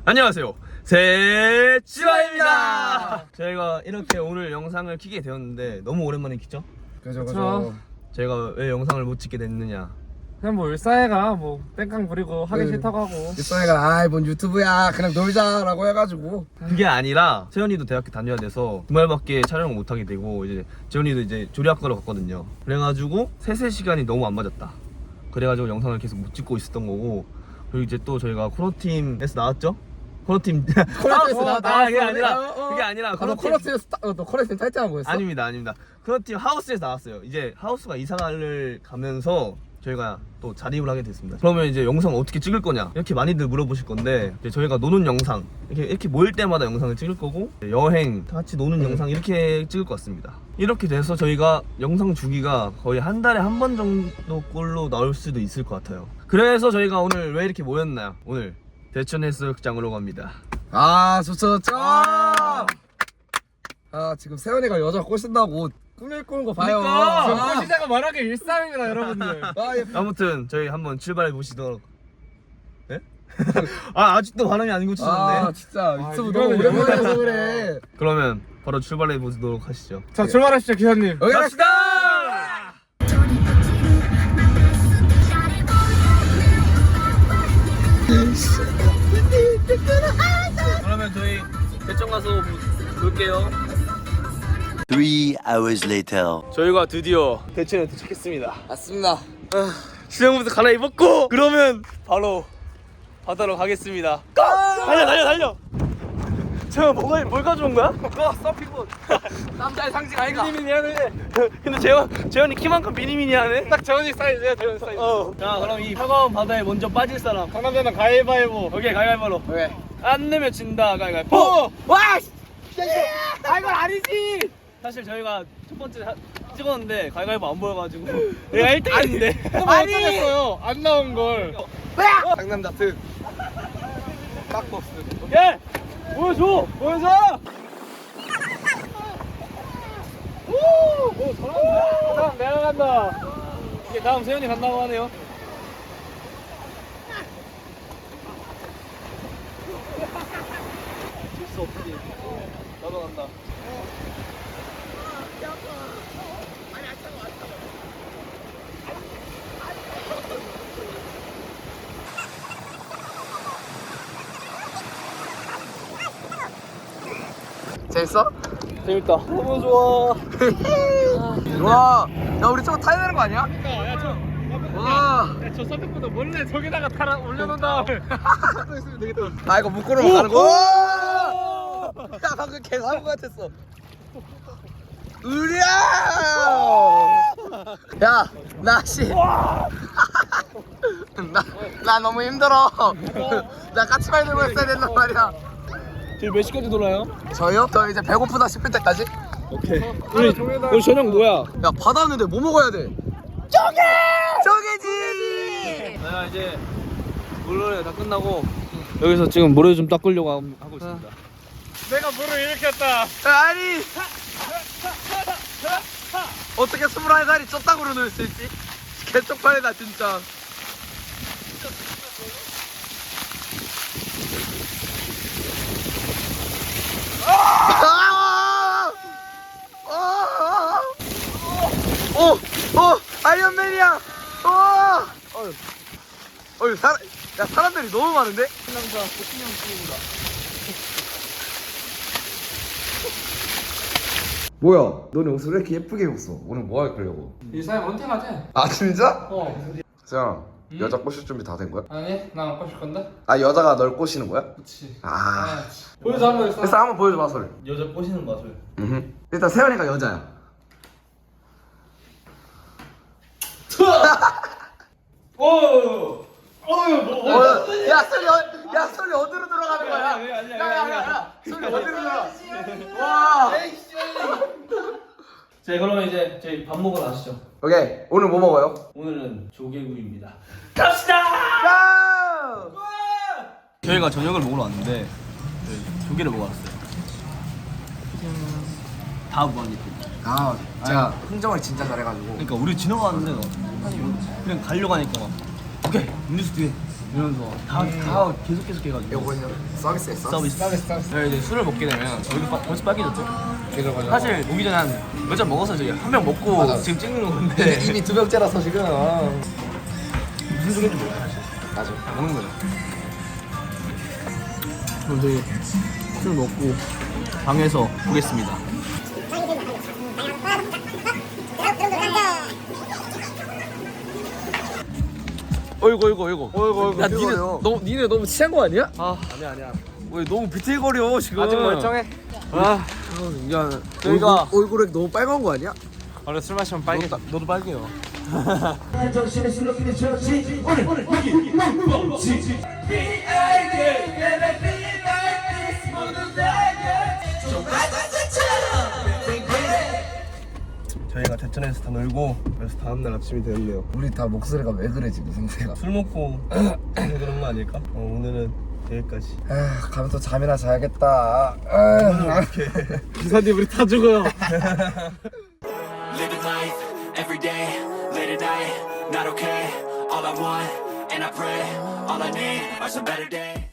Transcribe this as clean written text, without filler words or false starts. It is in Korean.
안녕하세요, 세치와입니다. 저희가 이렇게 오늘 영상을 키게 되었는데 너무 오랜만에 키죠? 그죠. 저희가 왜 영상을 못 찍게 됐느냐, 그냥 뭐 일사회가 뭐 땡깡 부리고 하기 싫다고 하고. 일상이가 아이 뭔 유튜브야 그냥 놀자라고 해가지고. 그게 아니라 세연이도 대학교 다녀야 돼서 주말밖에 촬영을 못 하게 되고, 이제 재현이도 이제 조리학과로 갔거든요. 그래가지고 세세 시간이 너무 안 맞았다. 그래가지고 영상을 계속 못 찍고 있었던 거고, 그리고 이제 또 저희가 코너팀에서 나왔죠? 코너팀 코너팀에서 그게 아니라 너 코너팀에서 너 코너팀 타이틀한 거였어? 아닙니다. 코너팀 하우스에서 나왔어요. 이제 하우스가 이사를 가면서 저희가 또 자립을 하게 됐습니다. 그러면 이제 영상 어떻게 찍을 거냐 이렇게 많이들 물어보실 건데, 이제 저희가 노는 영상 이렇게 모일 때마다 영상을 찍을 거고, 여행 다 같이 노는 영상 이렇게 찍을 것 같습니다. 이렇게 돼서 저희가 영상 주기가 거의 한 달에 한 번 정도 꼴로 나올 수도 있을 것 같아요. 그래서 저희가 오늘 왜 이렇게 모였나요? 오늘 대천 해수욕장으로 갑니다. 아 좋죠. 아 지금 세연이가 여자 꼬신다고 꿈을 꾸는 거 봐요. 그러니까. 꼬시자가 말하기 일상입니다, 여러분들. 아무튼 저희 한번 출발해 보시도록. 네? 아직도 반응이 안 고쳐졌네. 아 진짜 유튜브 이거는 너무 오랜만에 해서 그래. 그러면 바로 출발해 보도록 하시죠. 자, 출발하시죠, 기사님. 여기 갑시다! 그러면 저희 대천 가서 볼게요. 3 hours later. 저희가 드디어 대천에 도착했습니다. 맞습니다. 수영부터 갈아입었고, 그러면 바로 바다로 가겠습니다. 달려! 제가 뭘 가져온 거야? 서핑봇. 남자의 상징 아이가. 비니미니 하네. 근데 재현이 키만큼 비니미니 하네. 딱 재원이 사이즈야, 재원 사이즈. 자, 그럼 이 차가운 바다에 먼저 빠질 사람. 강남자는 가위바위보. 오케이, 가위바위보로. 왜? 안 내면 진다. 가위바위보. 와! 아, 이건 아니지. 사실 저희가 첫 번째 찍었는데 가위바위보 안 보여가지고 내가 1등했는데. 아니! 어쩌겠어요, 안 나온 걸. 상남자 특. 깍버스. 예! 보여줘! 오, 잘한다. 다음 내가 간다. 이게 다음 세연이 간다고 하네요. 질수 없지. 나도 간다. 재밌어? 재밌다. 너무 좋아. 와, 야 우리 저거 타야 되는 거 아니야? 와, 저 선택보다 몰래 저기다가 올려놓은 다음에 있으면 되겠다. 아 이거 묶고는 가는 거. 야 방금 개 사고 같았어. 으랴! 야, 나 너무 힘들어. 나 까치발 들고 있어야 된단 말이야. 저희 몇 시까지 돌아요? 저요? 저 이제 배고프다 싶을 때까지. 오케이. 우리 저녁 뭐야? 야 바다 왔는데 뭐 먹어야 돼? 쪼개지. 내가 이제 물놀이가 다 끝나고 여기서 지금 모래 좀 닦으려고 하고 있습니다. 내가 물을 일으켰다. 아니 어떻게 21살이 쪘다구로 놀 수 있지? 개쪽팔리다 진짜. 아이언맨이야. 사람들이 너무 많은데? 남자 복싱형 친구다. 뭐야? 너네 옷을 왜 이렇게 예쁘게 입었어? 오늘 뭐 할 거려고? 일사회 원팅하지? 아 진짜? 어. 세연아, 여자 꼬실 준비 다 된 거야? 아니, 나 안 꼬실 건데? 아 여자가 널 꼬시는 거야? 그치. 아 보여줘, 한번 일사. 일단 한번 보여줘 마술. 여자 꼬시는 맛을. 일단 세연이가 여자야. 오! 야 소리 어디로 들어가는 거야? 야 소리 어디로 들어가? 와. 자, 그러면 이제 저희 밥 먹으러 가시죠. 오케이, 오늘 뭐 먹어요? 오늘은 조개구이입니다. 갑시다! 고! 저희가 저녁을 먹으러 왔는데 조개를 먹으러 왔어요. 다 무한리필. 아 제가 흥정을 진짜 잘해가지고. 그러니까 우리 지나가는데 그냥 가려고 하니까 오케이 음료수 뒤에 이러면서 다 계속 해가지고 요거는요 서비스 했어? 서비스. 저희 이제 술을 먹게 되면 저희도 벌써 빨개졌죠. 그죠 그죠. 사실 오기 전에 한 몇 잔 먹어서 저희 한 명 먹고 맞아. 지금 찍는 건데 이미 2병째라서 지금. 무슨 중인지 몰라요 사실. 맞아. 그냥 먹는 거죠. 그럼 저희 술 먹고 방에서 보겠습니다. 어이구. 야 니네 너무 취한 거 아니야? 아니야. 왜 너무 비틀거려 지금. 아직 멀쩡해. 야, 저희가 얼굴에 너무 빨간 거 아니야? 원래 술 마시면 빨개. 너도 빨개요. 저희가 대천에서 다 놀고 그래서 다음날 아침이 되었네요. 우리 다 목소리가 왜 그래 지금 상태가. 술 먹고 그런 거 아닐까? 오늘은 여기까지. 아 가면 또 잠이나 자야겠다. 기사님 우리 다 죽어요. Living life every day, late at night, not okay. All I want, and I pray, all I need are some better days.